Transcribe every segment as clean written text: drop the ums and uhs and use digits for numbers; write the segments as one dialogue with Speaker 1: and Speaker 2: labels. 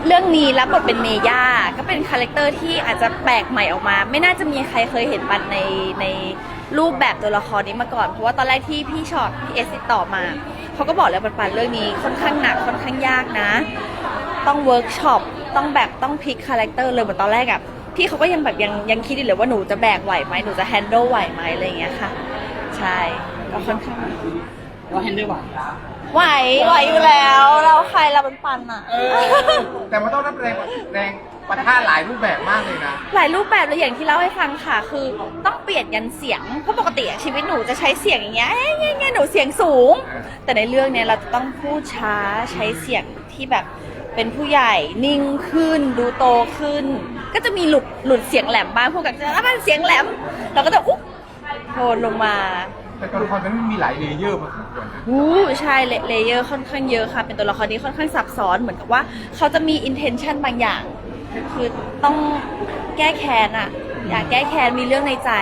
Speaker 1: เรื่องนี้รับบทเป็นเมย่าก็เป็นคาแรคเตอร์ที่อาจจะแปลกใหม่ออกมาไม่น่าจะมีใครเคยเห็นปันในรูปแบบตัวละครนี้มาก่อนเพราะว่าตอนแรกที่พี่ช็อตพี่เอสติดต่อมาเขาก็บอกแล้วปันเรื่องนี้ค่อนข้างหนักค่อนข้างยากนะต้องเวิร์กช็อปต้องพลิกคาแรคเตอร์เลยเหมือนตอนแรกอะพี่เขาก็ยังแบบยังคิดอยู่เลยว่าหนูจะแบกไหวไหมหนูจะแฮนด์ลไหวไหมอะไรอย่างเงี้ยค่ะใช่ก็ค่อนข้าง
Speaker 2: ว่าแฮนด์ไหว
Speaker 1: ไหวอยู่แล้วเราใครเราเป็นปันอะ
Speaker 3: แต่มันต้องรับแรงปะทะหลายรูปแบบมากเลยนะ
Speaker 1: หลายรูปแบบเลยอย่างที่เล่าให้ฟังค่ะคือต้องเปลี่ยนยันเสียงเพราะปกติชีวิตหนูจะใช้เสียงอย่างเงี้ยหนูเสียงสูงแต่ในเรื่องเนี้ยเราจะต้องพูดช้าใช้เสียงที่แบบเป็นผู้ใหญ่นิ่งขึ้นดูโตขึ้นก็จะมีหลุดเสียงแหลมบ้างพวกกันจะแล้วมันเสียงแหลมเราก็จะอุ๊บโทนลงมา
Speaker 3: แต่ตัวละครมันมีหลายเลเยอร์พอสมควรนะ
Speaker 1: ใช่เลเยอร์ค่อนข้างเยอะค่ะเป็นตัวละครที่ค่อนข้างซับซ้อนเหมือนกับว่าเขาจะมี intention บางอย่างคือต้องแก้แค้นอะอยากแก้แค้นมีเรื่องในใจ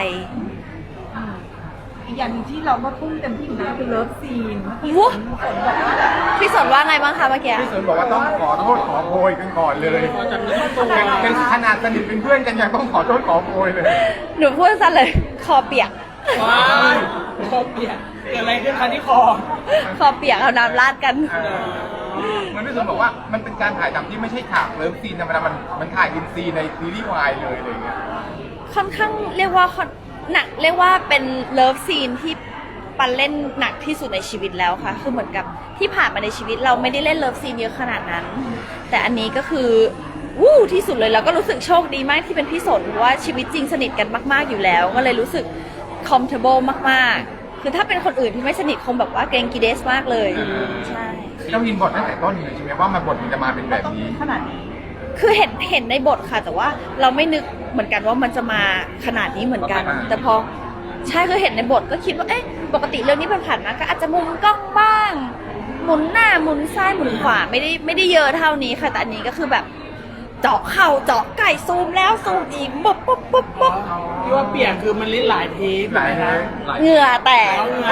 Speaker 4: อีกอย่างที่เราก็ทุ่มเต็มที่อยู่นะคือเลิฟซีน
Speaker 1: พี่สนว่าไงบ้างคะเมื่อกี้
Speaker 3: พี่สนบอกว่าต้องขอโทษขอโพยกันก่อนเลยเป็นขนาดสนิทเป็นเพื่อนกันยังต้องขอโทษขอโพยเลย
Speaker 1: หนูพูดสั้นเลยคอเปียก
Speaker 2: คอเปียกเกิดอะไรขึ้นคะที่คอ
Speaker 1: เปียกเอาน้ำราดกัน
Speaker 3: มันพี่สนบอกว่ามันเป็นการถ่ายทำที่ไม่ใช่ฉากเลิฟซีนธรรมดามันถ่ายอินซีในซีรีส์วายเลยอะไรเงี้ย
Speaker 1: ค่อนข้างเรียกว่าหนักเรียกว่าเป็นเลิฟซีนที่ปันเล่นหนักที่สุดในชีวิตแล้วค่ะคือเหมือนกับที่ผ่านมาในชีวิตเราไม่ได้เล่นเลิฟซีนเยอะขนาดนั้นแต่อันนี้ก็คือที่สุดเลยแล้วก็รู้สึกโชคดีมากที่เป็นพี่สนเพราะว่าชีวิตจริงสนิทกันมากๆอยู่แล้วก็เลยรู้สึก comfortable มากๆคือถ้าเป็นคนอื่นที่ไม่สนิทคงแบบว่าเกรงกีเดสมากเลยใช่
Speaker 3: เรายินบทตั้งแต่ต้นเลยใช่ไหมว่าบทมันจะมาเป็นแบบนี้
Speaker 4: ขนาดนี้
Speaker 1: คือเห็นในบทค่ะแต่ว่าเราไม่นึกเหมือนกันว่ามันจะมาขนาดนี้เหมือนกันแต่พอใช่คือเห็นในบทก็คิดว่าปกติเรื่องนี้ผ่านมาก็อาจจะมุมกล้องบ้างหมุนหน้าหมุนซ้ายหมุนขวาไม่ได้เยอะเท่านี้ค่ะแต่อันนี้ก็คือแบบเจาะเข่าเจาะไก่ซูมแล้วซูมอีกปุ๊บ
Speaker 2: ที่ว่าเปียกคือมันลิ้นหลายที
Speaker 3: หลายนะ
Speaker 1: เหงื่อแตก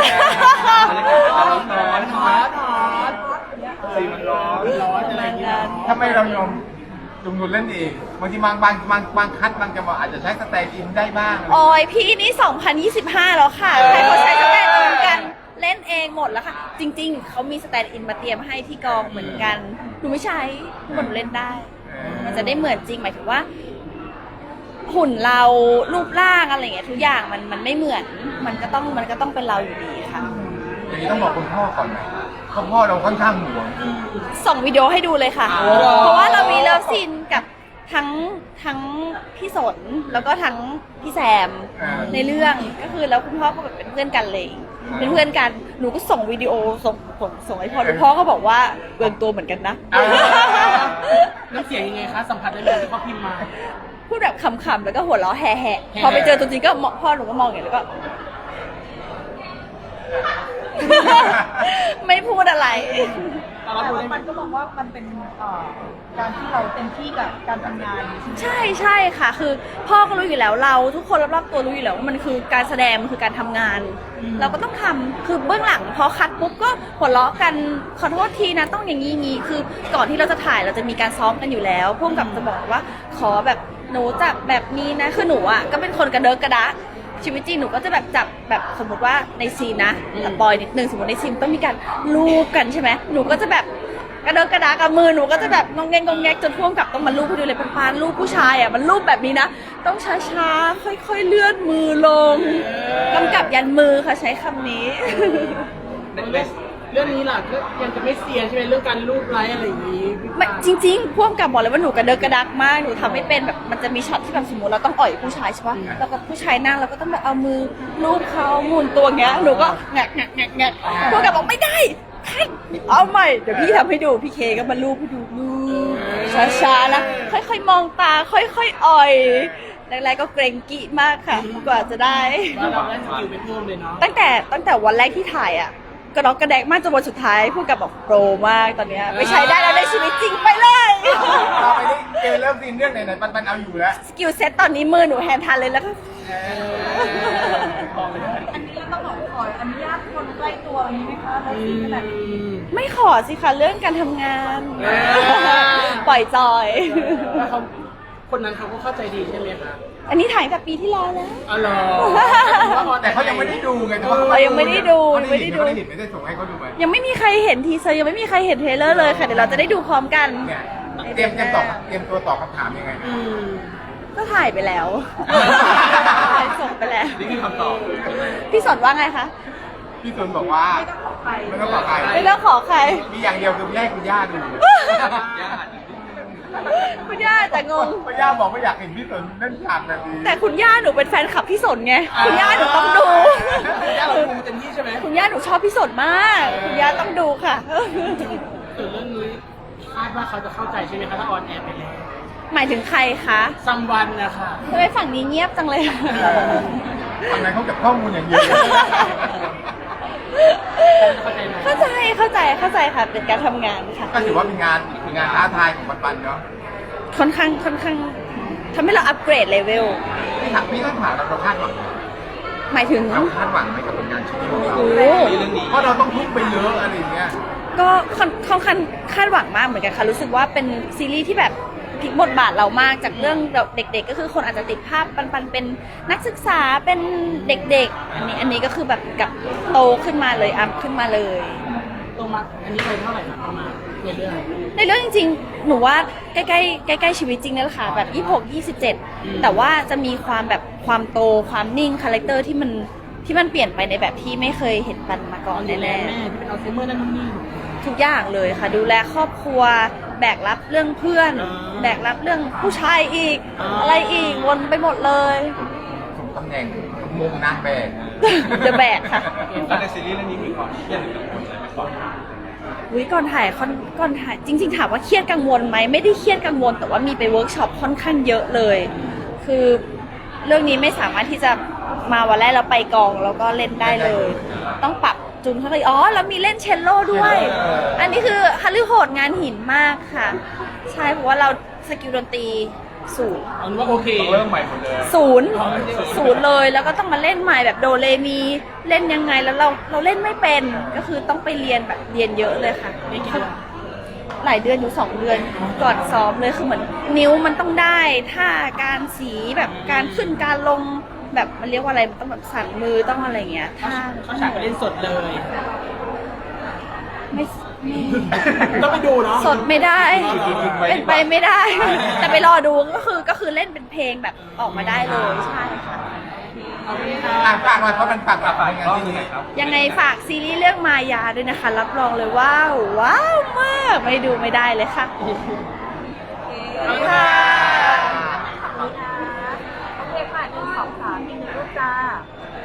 Speaker 2: สีมันร้อนอะไรอย่างเงี้ย
Speaker 3: ทำไมเรายอมจุงนุนเล่นเองบางทีบางคัดบางจังหวะอาจจะใช้สแตนด์อินได้บ้าง
Speaker 1: โอ้ยพี่นี่2025แล้วค่ะใครเขาใช้สแตนด์อินกันเล่นเองหมดแล้วค่ะจริงๆเขามีสแตนด์อินมาเตรียมให้ที่กองเหมือนกันหนูไม่ใช้หนูเล่นได้มันจะได้เหมือนจริงหมายถึงว่าหุ่นเรารูปร่างอะไรอย่างเงี้ยทุกอย่างมันไม่เหมือนมันก็ต้องเป็นเราอยู่ดีค่ะ
Speaker 3: อย่างนี้ต้องบอกคุณพ่อก่อนไหมเพราะพ่อเราค่อนข้างห่วง
Speaker 1: ส่งวิดีโอให้ดูเลยค่ะเพราะว่าเรามีเลิฟซีนกับทั้งพี่สนแล้วก็ทั้งพี่แซมในเรื่องก็คือแล้วคุณพ่อก็แบบเป็นเพื่อนกันเลยเป็นเพื่อนกันหนูก็ส่งวิดีโอส่งให้พ่อก็บอกว่าเกินตัวเหมือนกันนะ
Speaker 2: น้ำเสียงยังไงคะสัมผัสได้เลยที่เขาพิมพ์มา
Speaker 1: พูดแบบขำๆแล้วก็หัวเราะแห่ๆพอไปเจอตัวจริงก็พ่อหนูก็มองอย่างนี้แล้วก็ไม่พูดอะไร
Speaker 4: มันก็บอกว่ามันเป็นการที่เราเต็มที่กับการทำงาน
Speaker 1: ใช่ค่ะคือพ่อก็รู้อยู่แล้วเราทุกคนรอบๆตัวรู้อยู่แล้วว่ามันคือการแสดงมันคือการทำงานเราก็ต้องทำคือเบื้องหลังพอคัดปุ๊บก็หัวเราะกันขอโทษทีนะต้องอย่างนี้คือก่อนที่เราจะถ่ายเราจะมีการซ้อมกันอยู่แล้วพ่วงกับจะบอกว่าขอแบบหนูจับแบบนี้นะคือหนูอ่ะก็เป็นคนกระเดิกกระดะชีวิตจริงหนูก็จะแบบจับแบบสมมติว่าในซีนนะแต่ปอยนิดนึงสมมติในซีนต้องมีการลูบกันใช่ไหมหนูก็จะแบบกระเดิกกระดากับมือหนูก็จะแบบงงแงจนพ่วงกับต้องมาลูบให้ดูเลยปานลูบผู้ชายอ่ะมันลูบแบบนี้นะต้องช้าๆค่อยๆเลื่อนมือลงกำกับยันมือค่ะใช้คำนี้
Speaker 2: เรื่องนี้ล่ะก็ยังจะไม่เสียใช่ไหมเรื่องการรูปไลค์อะไรอย่างนี้
Speaker 1: ไม่จริงๆพ่วงกับบอกเลยว่าหนูกระเดิกกระดักมากหนูทำไม่เป็นแบบมันจะมีช็อตที่แบบสมมติเราต้องอ่อยผู้ชายใช่ปะแล้วก็ผู้ชายนั่งเราก็ต้องแบบเอามือลูบเขาหมุนตัวเงี้ยหนูก็แงะพ่วงกับบอกไม่ได้เอาใหม่เดี๋ยวพี่ทำให้ดูพี่เคก็มาลูบให้ดูช้าๆนะค่อยๆมองตาค่อยๆอ่อยแรกๆก็เกรงกี้มากค่ะกว่าจะได้
Speaker 2: เราได้สกิลไปเพิ่มเลยเนาะ
Speaker 1: ตั้งแต่วันแรกที่ถ่ายอ่ะกระดอกกระแดกมากจนวันสุดท้ายพูดกับบอกโปรมากตอนเนี้ยไม่ใช้ได้แล้วในชีวิตจริงไปเลย
Speaker 3: เราไปได้เจอเริ่มซีนเรื่องไหนปันเอาอยู่แล้ว
Speaker 1: สกิลเซ็ตตอนนี้มือหนูแฮนด์ทันเลยแล้วก็
Speaker 4: อันนี้เราต้องขออนุญาตคนใกล้ล้ตัวนี้ไหมคะแล้วซีนขนาดนี้
Speaker 1: ไม่ขอสิคะเรื่องการทำงาน
Speaker 2: อ่า
Speaker 1: ปล่อยจอย
Speaker 2: แล้วเขาคนนั้นเขาก็เข้าใจดีใช่ไหมคะ
Speaker 1: อันนี้ถ่ายแต่ปีที่แล้วแล้ว
Speaker 2: อ๋อเหรอ
Speaker 3: แต่เขายังไม่ได้ดูไงแต่ว่า
Speaker 1: เรายังไม่ได้ดู
Speaker 3: เขา
Speaker 1: ไม่ได้ดู
Speaker 3: เขาได้เห็นไม่ได้ส่งให้เขาดูไหม
Speaker 1: ยังไม่มีใครเห็นทีเซอร์ยังไม่มีใครเห็นเทรลเลอร์เลยค่ะเดี๋ยวเราจะได้ดูพร้อมกัน
Speaker 3: เนี่ยเตรียมตัวตอบคำถามยังไง
Speaker 2: อืม
Speaker 1: ก็ถ่ายไปแล้วถ่ายส่งไปแล้ว
Speaker 3: นี่คือคำตอบ
Speaker 1: พี่สนว่าไงคะ
Speaker 3: พี่ตุนบอกว่าไม่ต้องขอใคร
Speaker 1: ไม่ต้องขอใคร
Speaker 3: มีอย่างเดียวคือแยกคุณย่าดู
Speaker 1: คุณย่าแต่งง
Speaker 3: คุณย่าบอกว่าอยากเห็นพี่ตุนเล่นฉากแบบนี้
Speaker 1: แต่คุณย่าหนูเป็นแฟนคลับพี่สนไงคุณย่าหนูต้องดู
Speaker 2: ย่าเราดูเต็มที่ใช่ไหม
Speaker 1: คุณย่าหนูชอบพี่สนมาก คุณย่าต้องดูค่ะ
Speaker 2: ส่วนเรื่องนี้คาดว่าเขาจะเข้าใจใช่ไหมคะถ้าออนแอร์ไปแล้ว
Speaker 1: หมายถึงใครคะ
Speaker 2: ซัมวันนะคะ
Speaker 1: ทำไมฝั่งนี้เงียบจังเลย
Speaker 3: ทำไมเขาเก็บข้อมูลอย่างเดียว
Speaker 2: เข้าใจไหม
Speaker 1: เข้าใจค่ะเป็นการทำงานค่ะ
Speaker 3: ก็ถือว่าเป็นงานท้าทายของปันๆเนาะ
Speaker 1: ค่อนข้างทำให้เราอัปเกรดเลเวล
Speaker 3: พี่ต้องถามเราคาดหวัง
Speaker 1: หมายถึง
Speaker 3: เราคาดหวังไหมกับผลงานชิ้นนี้ของเรา
Speaker 1: โอ้
Speaker 3: เพราะเราต้องทุ่มไปเยอะอะไรอย่างเงี้ย
Speaker 1: ก็ค่อนข้างคาดหวังมากเหมือนกันค่ะรู้สึกว่าเป็นซีรีส์ที่แบบพลิกบทบาทเรามากจากเรื่องเด็กๆก็คือคนอาจจะติดภาพปันเป็นนักศึกษาเป็นเด็กๆอันนี้ก็คือแบบกับโตขึ้นมาเลยอัพขึ้นมาเลย
Speaker 2: ตัวมาอันนี้เป็นเท่าไหร่นะประมาณในเรื่อง
Speaker 1: ในเรื่องจริงๆ หนูว่าใกล้ๆชีวิตจริงนี่แหละค่ะแบบ26 27แต่ว่าจะมีความแบบความโตความนิ่งคาแรคเตอร์ที่มันเปลี่ยนไปในแบบที่ไม่เคยเห็นปันมาก่อน
Speaker 2: ดูแล
Speaker 1: แน่
Speaker 2: แม่ที่เป็นอัลไซเมอร์นั่นนี่
Speaker 1: ๆทุกอย่างเลยค่ะดูแลครอบครัวแบกรับเรื่องเพื่อน
Speaker 2: อ่า
Speaker 1: แบกรับเรื่องผู้ชายอีก
Speaker 2: อ่า
Speaker 1: อะไรอีกวนไปหมดเลย
Speaker 3: สมตำแหน่งมุมนางแบบ
Speaker 1: จะแบกค่ะ
Speaker 3: แล้วในซีรีส์เรื่องนี้มีความเครียดหรือกังวลอะไรไหมก่อน
Speaker 1: อุ๊ยก่อนถ่ายจริงๆถามว่าเครียดกังวลไหมไม่ได้เครียดกังวลแต่ว่ามีไปเวิร์กช็อปค่อนข้างเยอะเลย คือเรื่องนี้ไม่สามารถที่จะมาวันแรกแล้วไปกองแล้วก็เล่นได้เลย ต้องปรับจูนเข้าไปแล้วมีเล่นเชลโล่ด้วย อันนี้คือฮัลลีโหดงานหินมากค่ะ ใช่เพราะว่าเราสกิลดนตรีศูนย์
Speaker 2: เอาเป็นว่าโอเค
Speaker 3: ต้องเริ่มใหม่หมดเลย
Speaker 1: ศูนย์เลยแล้วก็ต้องมาเล่นใหม่แบบโดเรมีเล่นยังไงแล้วเราเล่นไม่เป็นก็คือต้องไปเรียนแบบเรียนเยอะเลยค่ะ
Speaker 2: ไม่กี่เดือน
Speaker 1: หลายเดือนอยู่2 เดือนก่อนซ้อมเลยคือเหมือนนิ้วมันต้องได้ท่าการสีแบบการขึ้นการลงแบบมันเรียกว่าอะไรมันต้องแบบสั่นมือต้องอะไรเงี้ยท่า
Speaker 2: เขาฉากไปเล่นสดเลย
Speaker 1: ไม่
Speaker 2: ต้องไปดูเนาะ
Speaker 1: สดไม่ได้เป็นไปไม่ได้ แต่ไปรอดูก็คือเล่นเป็นเพลงแบบออกมาได้เลยใช่ค่ะ
Speaker 2: เอาไปค่ะ
Speaker 3: ฝากหน่อยเพราะมันฝากงานที่นี่ครับ
Speaker 1: ยังไงฝากซีรีส์เรื่องมายาด้วยนะคะ รับรองเลยว้าวมากไม่ดูไม่ได้เลยค่ะค่ะ
Speaker 4: โอเคค่ะ1 2 3 1รูปจ้า